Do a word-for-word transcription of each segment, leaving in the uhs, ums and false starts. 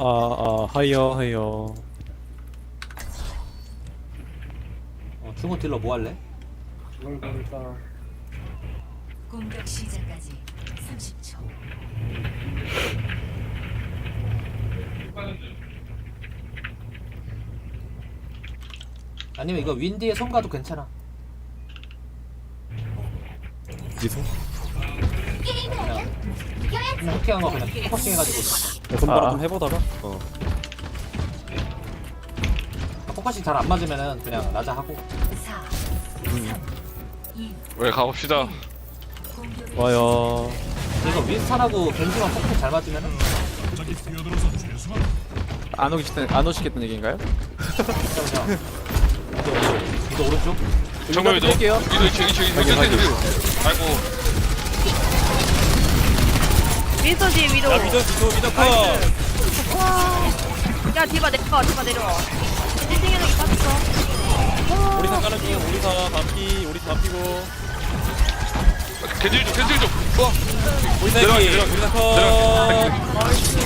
아, 하이어, 하이어. 어, 중호 딜러 뭐 할래? 이걸 보니까 공격 시작까지 삼십 초. 아니면 이거 윈디의 손 가도 괜찮아. 미소? 그냥 그냥 해킹한 거 그냥 포커싱 해가지고 손바닥 아. 좀 해보다가? 어. 포커싱 잘 안 맞으면은 그냥 나자 하고. 사, 왜 가봅시다. 와요. 이거 윈스턴하고 겐지만 포커싱 잘 맞으면은 안 오시겠다는 안 오시겠다는 얘기인가요? 진짜 그냥 이거 오른쪽 이거 오른쪽 정면 위도. 뺄게요. 위도 이층 이층 이층 이층 이층. 아이고. 윈스턴 뒤에 위로. 야, 미소, 미소, 미소 커! 야 디바 내려와 디바 내려와. 일 등 해내기 빠졌어. 오리사 까는 중, 오리사 반피, 오리사 반피고. 겐질 좀 겐질 좀. 와. 오리사 내려가, 피, 내려가, 오리사 내려가.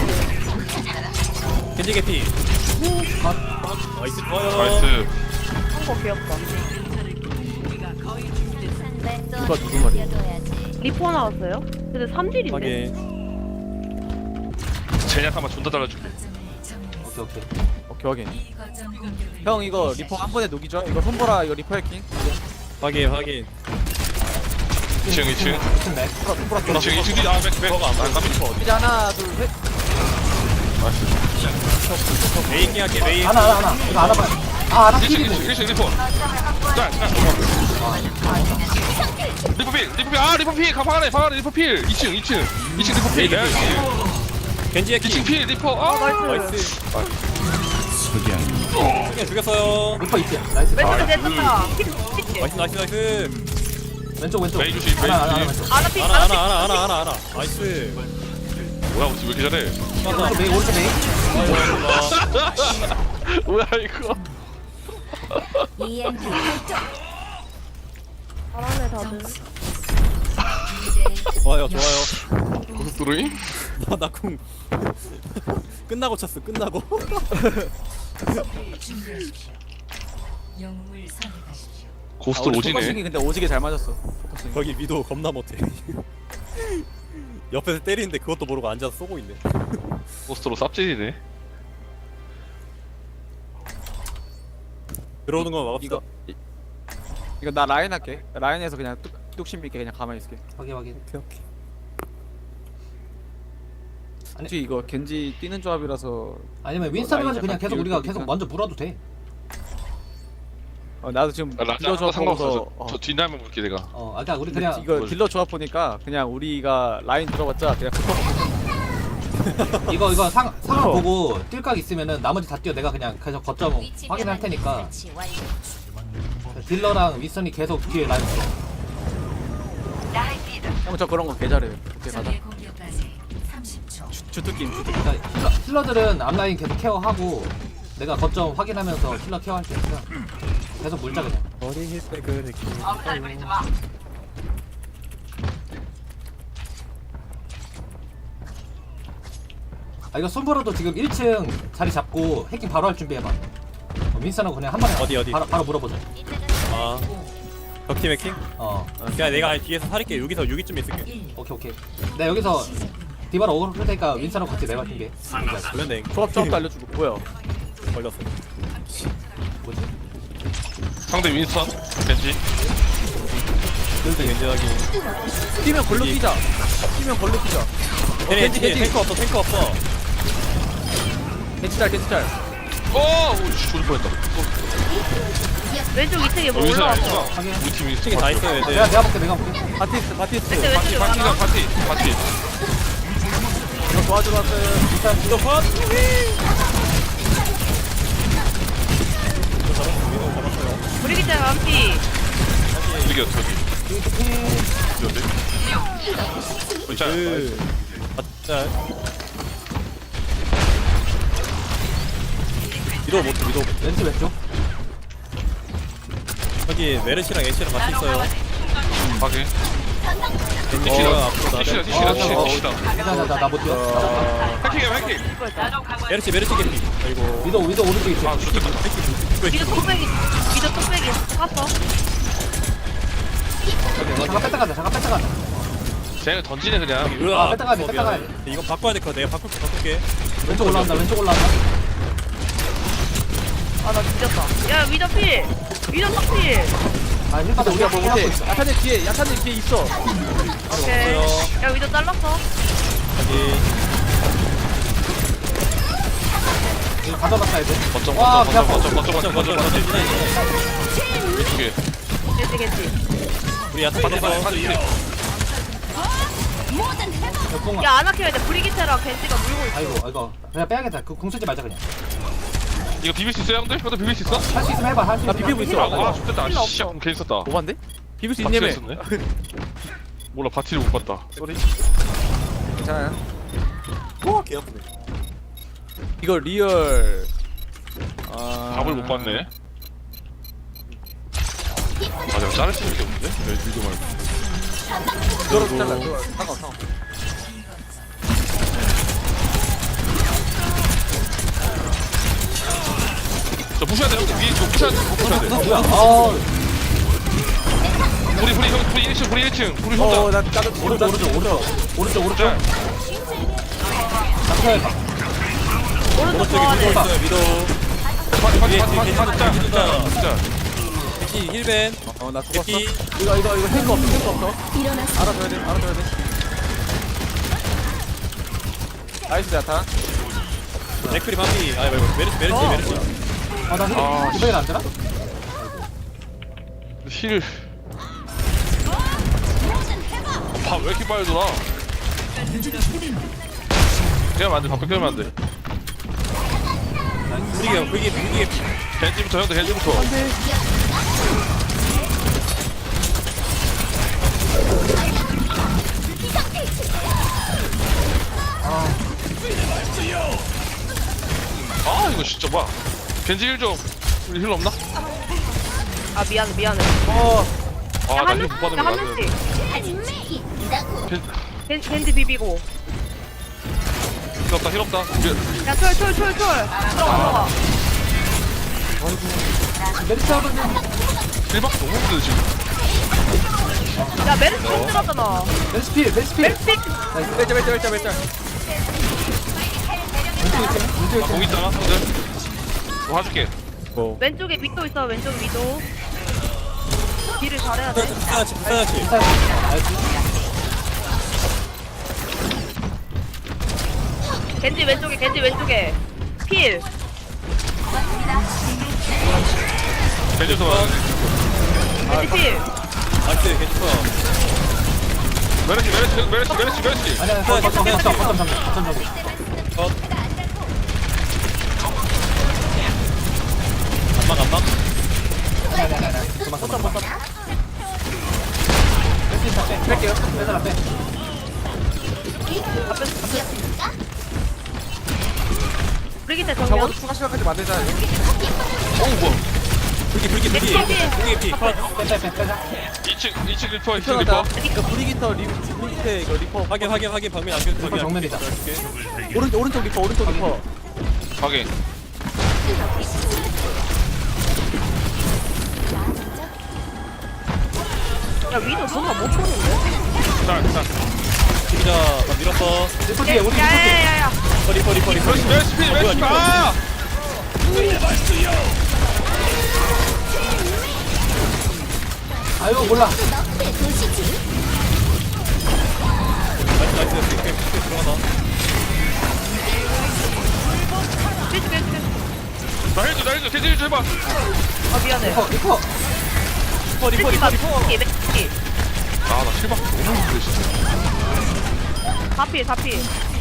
컷! 겐지 개피. 나이스, 좋아요. 나이스. 한거 귀엽다. 누가 누구 말이야? 리포 나왔어요? 근데 삼 딜인데? 확인. 제냐 한번 존나 달아줄게. 오케이 오케이 오케이 확인. 형 이거 리퍼 한 번에 녹이죠? 이거 손보라 이거 리퍼 해킹. 확인, 확인. 이층 이층. 무슨 맥? 손보라 손보라 이층 이층 뒤. 아 맥 맥. 아 깜짝 리퍼. 이제 하나 둘 셋. 메이킹 할게, 메이. 하나 하나 하나 이거 하나 봐. 아 하나 일층 필이네. 일층 일층 리퍼. 자 자. 리퍼 필 리퍼 필. 아 리퍼 필. 가방 안에 방 안에 리퍼 필. 이층 이층 이층 리퍼 필. 내가 겐지 이층 해킹. 필 리퍼. 아 나이스. 그냥 죽였어요. 리퍼 있지? 나이스. 왼쪽에 내렸다. 나이스, 나이스, 나이스. 왼쪽 왼쪽. 메이 조심, 메이 하나 하나 조심. 하나 왼쪽. 아나 피 하나, 아나 하나, 하나, 하나, 하나, 하나. 나이스. 뭐야 우리 왜 이렇게 잘해? 오른쪽 메이 오른쪽 메이. 뭐야 이거? 이엠피 잘하네 다들. 좋아요, 좋아요. 고속도로임? 나, 나 궁. 끝나고 쳤어, 끝나고. 준비하십시오. 영웅을 선택하십시오. 고속도로 포커싱이 오지네. 근데 오지게 잘 맞았어. 포커싱. 거기 미도 겁나 못해. 옆에서 때리는데 그것도 모르고 앉아서 쏘고 있네. 고속도로 쌉질이네. 들어오는 거 막읍시다. 이거 이- 이거 나 라인 할게. 라인에서 그냥 뚝 뚝심 있게 그냥 가만히 있을게. 확인 확인. 오케이, 오케이. 혹시 이거 겐지 뛰는 조합이라서 아니면 이거 윈스턴 라인 해가지고 그냥 약간 계속 우리가 비울 계속 거니까. 먼저 물어도 돼. 어, 나도 지금 아, 라자 딜러 하나 조합 상관없어. 보고서 저, 어, 저 뒷라면 볼게 내가. 어 아까 우리 근데 그냥 이거 뭘- 딜러 조합 보니까 그냥 우리가 라인 들어봤자 그냥 붙어. 이거 이거 상 상황 어. 보고 뛸각 있으면은 나머지 다 뛰어. 내가 그냥 계속 거점 확인할 테니까 딜러랑 윈스턴이 계속 뒤에 라인 있어. 형저 그런 거 개잘해요. 오케이 가자. 적의 공격까지 삼십 초. 주특기 주특기. 그러니까 힐러, 힐러들은 앞라인 계속 케어하고 내가 거점 확인하면서 힐러 케어할 테니까 계속 물자 그냥. 머리 힐백을 했기. 아 이거 손보라도 지금 일 층 자리 잡고 해킹 바로 할 준비해봐. 어, 윈스턴하고 그냥 한 번에 어디, 어디? 바로 바로 물어보자. 아. 적팀 해킹? 어 어, 그냥 내가 뒤에서 살릴게. 여기서 여기쯤 있을게. 오케이 오케이. 내가 여기서 디바로 오글 할 테니까 윈스턴하고 같이 내가 준비해. 걸렸네. 조합 조합도 알려주고 뭐야? 걸렸어. 뭐지? 상대 윈스턴 겐지. 겐지 겐지하기. 뛰면 걸로 뛰자. 뛰면 걸로 뛰자. 어, 겐지, 겐지 겐지. 겐지 탱크 없어, 탱크 없어. 겐지 짤 겐지 짤. 오, 오씨 죽을 뻔했다. 왼쪽 이 층에 뭐 어, 윈스턴 올라왔어. 윈스턴. 확인. 우리 팀 층에 윈스턴. 다 있어요, 내가 애들. 내가 볼게 내가 볼게. 바티스트 바티스트. 왼쪽 파티 왼쪽에 파티가 올라와. 파티 파티. 이거 도와주러 왔어요. 이거 컷! 브리기자 완피. 이겨 저기. 이겼네. 자, 그. 맞자. 위도 못해, 위도 못해. 왼쪽 왼쪽. 여기 메르시랑 애쉬랑 같이 있어요. 확인. 디시다 어, 앞으로 디시다 나를- 디시다 어, 디시다 어, 디시다 나나나못 뛰어. 어... 해킹해 해킹 메르시 메르시 개피. 아이고. 위도 위도 오른쪽에 있어. 아 좋겠다 미드 뚝배기 미드 뚝배기 깠어. 잠깐 뺐다 가자. 잠깐 뺐다 가자. 쟤가 던지네 그냥 아, 뺐다 가야 돼, 뺐다 가야 돼. 이거 바꿔야 될 거야. 내가 바꿀게 바꿀게. 왼쪽 올라온다. 왼쪽 올라온다. 아나 뒤졌다. 야 위더 필. 위더 딱 필. 아 힐받아. 우리가 뭐 우리가 못해. 있어. 야타님 뒤에 야타님 뒤에 있어. 오케이. 없어요. 야 위더 잘랐어. 여기. 이거 가져갔다 이제. 거점 와, 거점 배 아파. 거점 거점 거점 거점 거점 왼쪽에 겐지 겐지. 우리 야타 받아 받아 받았어. 받아 이래 역공아. 야 아나키가 이제 브리기테랑 겐지가 물고 있어. 아이고 이거 그냥 빼야겠다. 그궁 쓰지 말자 그냥. 이거 비빌 수 있어요 형들? 형들 비빌 수 있어? 할 수 있으면 해봐. 할 수 나 있으면. 비비고 있어. 아, 아 좋겠다 필요 씨 없어. 괜히 썼다 오반데? 비빌 수 바티가 있냐며. 있었네 몰라 바티를 못 봤다 쏘리. 괜찮아요. 와, 개 아프네. 이거 리얼. 아... 답을 못 봤네 아 내가 자를 수 있는 게 없는데? 왜 밀도 말고 이거로 잘라. 이거 상관없어. 저 부셔야 돼 형들 위에 저 부셔야 돼 저 부셔야 돼 뭐야? 아 우리 우리 형 우리 일 층 우리 일 층 우리 혼자 어, 나 나도 오른쪽 오른쪽 오른쪽 오른쪽 오른쪽. 자 잡혀야 돼. 오른쪽 오른쪽에 더 위도 안에. 있어요. 위도. 파티 파티 위에 파티 파티 뒤에 파티 짜 뒤에 짜 뒤에 짜 개피 힐벤. 어, 나 죽었어. 개피. 이거 이거 이거 탱크 없어. 탱크 없어. 알아줘야 돼. 알아줘야 돼. 나이스 야타. 맥크리 반피. 아, 말고 메르시 메르시 어. 메르시. 아나 아, 힐. 이번엔 안 되나? 힐 밥왜 이렇게 빨리 돌아 깨면 안돼 밥도 깨면 안돼 브리게 브리게 브리게. 겐지부터 형들 겐지부터 아 이거 진짜 뭐야 겐지 힐좀 우리 힐 없나? 아 미안해 미안해. 어. 아 나 야한 힐 못 명씩 받은 야한 거야 명씩. 겐- 겐 겐지 비비고. 힐 없다 힐 없다 이제 야철철철철 들어가. 메리트 하면 힐밖에 너무 없는데 지금 야 메르스 힘들었잖아. 메리트 필. 메리트 필. 메르스 픽. 벨자 벨자 벨자 벨자. 아 거기 있잖아 형들 뭐 해줄게 뭐. 왼쪽에 위도 있어. 왼쪽 위도. 딜을 잘해야 돼. 불사야치 불사야치. 겐지 왼쪽에 겐지 왼쪽에. 필. 겐지부터 봐 겐지 필. 나이스 괜찮아. 메르시 메르시 메르시 메르시 메르시 아니야. 거점 거점 거점 거점 거점 거점. 컷. 안막 안막. 거점 거점. 메리트 다 빼. 뺄게요. 빼달라 빼. 브리기테 적어도 정면. 추가 시간까지 만들자. 어우 뭐야 불기 불기 불기. 불기 피. 컷. 빼빼빼 빼자. 이 층 이 층 리퍼 이 층 피어났다. 리퍼 이거 브리기터 리 브리기테 이거 리퍼. 확인 확인 확인 방면 안경 리퍼 정면이다. 오른쪽 오른쪽 리퍼 오른쪽 리퍼. 확인 야 위도 존나 못 보는데. 짤짤 진짜 다 밀었어. 리퍼 뒤에 우리 리퍼 뒤에. 야야야야. 리퍼 리퍼 리퍼 리퍼. 메르시 메르시 피 메르시 피 아! 아유 몰라. 나이스 나이스. 피, 피, 피 들어가다. 해줄게 해줄게. 나 해줘 나 해줘 겐지 힐좀 해봐 아 미안해. 리퍼 리퍼. 리퍼 리퍼 리퍼 리퍼. 메르시 메르시. 아나 힐밖에 너무 없는데 진짜 다필 다필.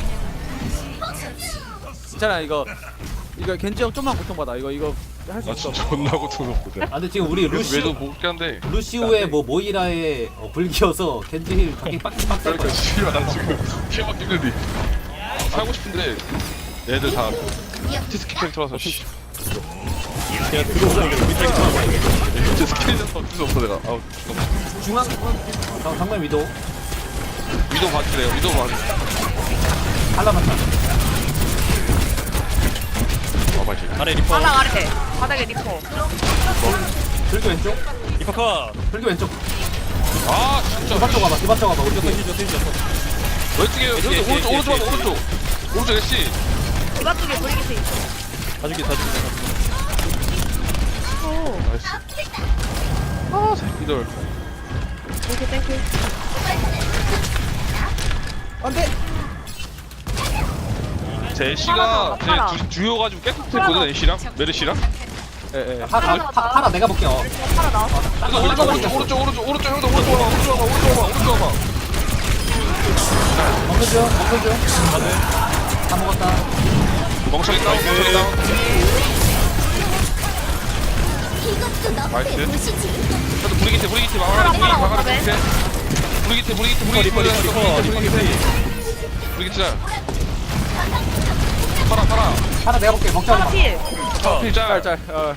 괜찮아 이거 이거 겐지 형 좀만 고통받아. 이거 이거 할 수 나 있어. 진짜 존나 고통스럽거든 아 근데 지금 우리 루시 외도 못게 한데 루시우의 뭐 모이라의 어, 불기여서 겐지 힐 밖에 빡빡 빡 그러니까 씨발 나 지금 힐밖에 힘든데 사고 싶은데 얘들 다 티스키 캐릭터라서 씨 제가 들어오는 게 우리 쪽이 좋아. 티스키 캐릭터 어쩔 수 없어 내가 아우 잠깐만 중앙 정, 정면 위도 위도 봐주래요. 위도 봐주. 한라만 타. 봐봐 지금. 아래 리퍼. 바닥 아래. 바닥에 리퍼. 들기 왼쪽. 리퍼 컷. 들기 왼쪽. 아 진짜. 디바 쪽 가봐. 디바 쪽 가봐. 우리 힐 뒤에. 줬어 힐 줬어. 왼쪽에 예, 오른쪽 예, 오른쪽 예, 오른쪽 예, 오른쪽 오른쪽 애쉬. 디바 쪽에 브리기트 있어. 다 죽여 다 죽여. 오. 나이스. 아 새끼들. 땡큐 땡큐. 제 팔아, 애쉬가 팔아. 제 두- 두여가지고 깨끗 했거든 애쉬랑 메르시랑. 예예. 파라 파- 파라 내가 볼게. 어. 팔아 나왔어. 그래서 오른쪽 오른쪽 오른쪽 오른쪽 오른쪽 형도 오른쪽 와봐 오른쪽 와봐 오른쪽 와봐 오른쪽 와봐. 먹는 중. 먹는 중. 다 먹었다. 멍청이 다운 멍청이 다운. 나이스. 저도 브리기트 브리기트 막아라 브리기트 팔아, 막아라 팔아, 브리기트. 브리기트 브리기트 브리기트 리퍼 리퍼 리퍼 리퍼 리퍼. 브리기트 잘. 팔아 팔아. 파라 내가 볼게. 먹자. 팔아 필. 필잘. 짤짤. 어.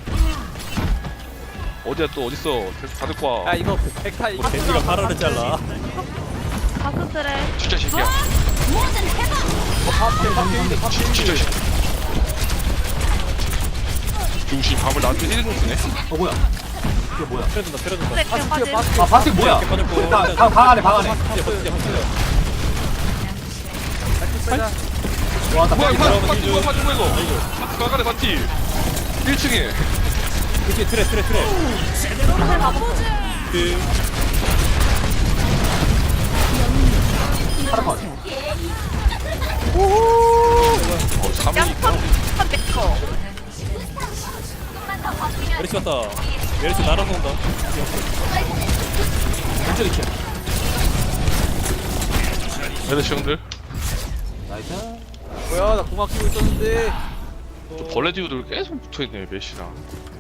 어디야 또 어딨어? 계속 다 듣고 야 와. 이거 백타이. 겐지가 파라를 잘라. 가스 트레. 진짜 새끼야. 진- 진짜 새끼. 중심 밤을 나한테 일 분 쓰네. 어 뭐야? 이게 뭐야? 때려준다 때려준다. 트레 그냥 빠진. 아 바스틱 뭐야? 이렇게 빠졌고. 방, 방, 방 안에 방 안에. 버티자 버티자 버티자. 와, 나 뭐야 바스틱 파 들어. 파티 뭐야 파티 뭐야 이거. 가가래 파티. 일 층에. 그치 트레 트레 트레. 트레 가보. 그 파라 컷. 어 삼 위. 양펀 펀 메커. 메리스 갔다. 메리스 날아서 온다. 왼쪽 이렇게. 메르시 형들. 나이스. 뭐야 나 공학 키고 있었는데. 벌레 지우들 계속 붙어있네 메시랑.